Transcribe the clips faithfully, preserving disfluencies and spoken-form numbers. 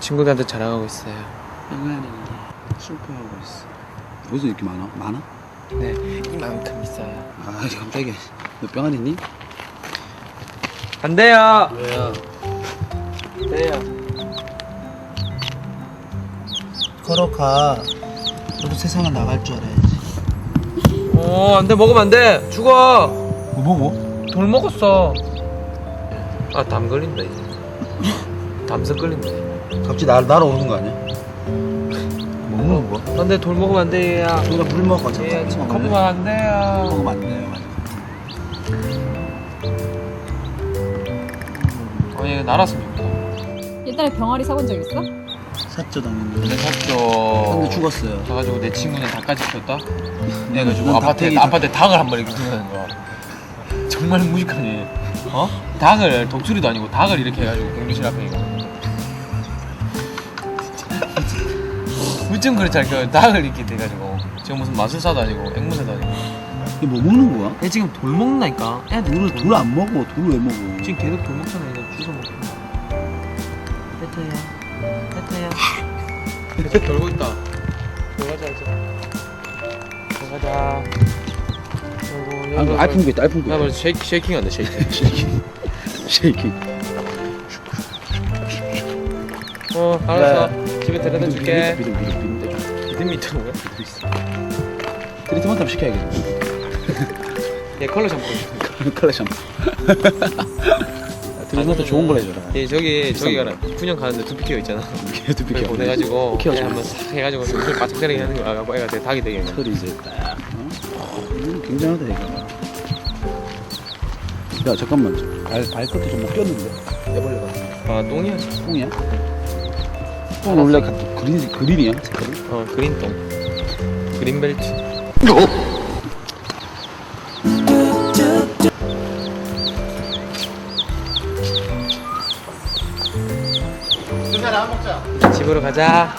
친구들한테 자랑하고 있어요. 병아리 슬퍼하고 있어. 어디서 이렇게 많아? 많아? 네, 이만큼 있어요. 아 깜짝이야. 너 병아리 있니? 안 돼요. 왜요? 돼요. 걸어가. 너도 세상에 나갈 줄 알아야지. 어, 안 돼. 먹으면 안 돼. 죽어. 뭐 먹어? 돌 먹었어. 아, 담 걸린다 이제. 담석 걸린다. 갑자기 날 날아오는 거 아니야? 뭐 먹는 거야? 안 돼. 돌 먹으면 안 돼, 얘야. 우리가 물 먹어. 잠깐. 얘야, 지금 커피 먹으면 안 돼요. 먹으면 안 돼요. 어, 얘 날았으면 좋겠다. 옛날에 병아리 사본 적 있어? 샀죠 당연히. 내 샀죠. 근데 죽었어요. 그래가지고 내 친구는 닭까지 키웠다. 해가지고 넌 아파트에 닭팽이 아파트에 닭을 한 마리 키우는 거야. 정말 무식하니. 어? 닭을 독수리도 아니고 닭을 이렇게 해가지고 경비실 앞에 이거. 무슨 그렇지 않게 닭을 이렇게 돼가지고 지금 무슨 마술사도 아니고 앵무새도 아니고. 이게 뭐 먹는 거야? 얘 지금 돌 먹는다니까. 애들 돌을 돌 안 먹어. 돌을 왜 먹어? 지금 계속 돌 먹잖아. 이거 주워 먹고. 혜태야. 혜태야. 계속 돌고 있다. 들어가자 이제. 들어가자. 아이고, 아, 그 알품 거 있다. 알품 거. 나 벌써 쉐이킹 쉐이킹 한다 쉐이킹. 쉐이킹. 쉐이킹. 어 알았어. 집에 데려다 줄게. 믿음 믿음 믿음. 믿음이 있다는 거야? 트리트먼트 한번 시켜야겠네. 얘 컬러 샴푸 있어. 컬러 샴푸. 트리트먼트 좋은 걸 해줘라. 얘 저기 저기 비싼 가라. 분양 가는데 두피 케어 있잖아. 걔도 그걸 비켜. 보내가지고 키워 얘 한번 싹 해가지고 눈을 바짝거리게 하는 거야. 애가 되게 닭이 되게. 털이 이제 딱. 어? 음, 굉장하다 얘가. 야 잠깐만. 발 발끝에 좀 묶였는데. 애벌레가. 아 똥이야. 똥이야? 똥 원래 가- 그린 그린이야 색깔이? 어 그린 똥. 그린 벨트. 집으로 가자.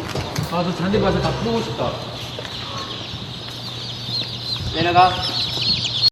아, 저 잔디 봐서 다 풀고 싶다. 내려가.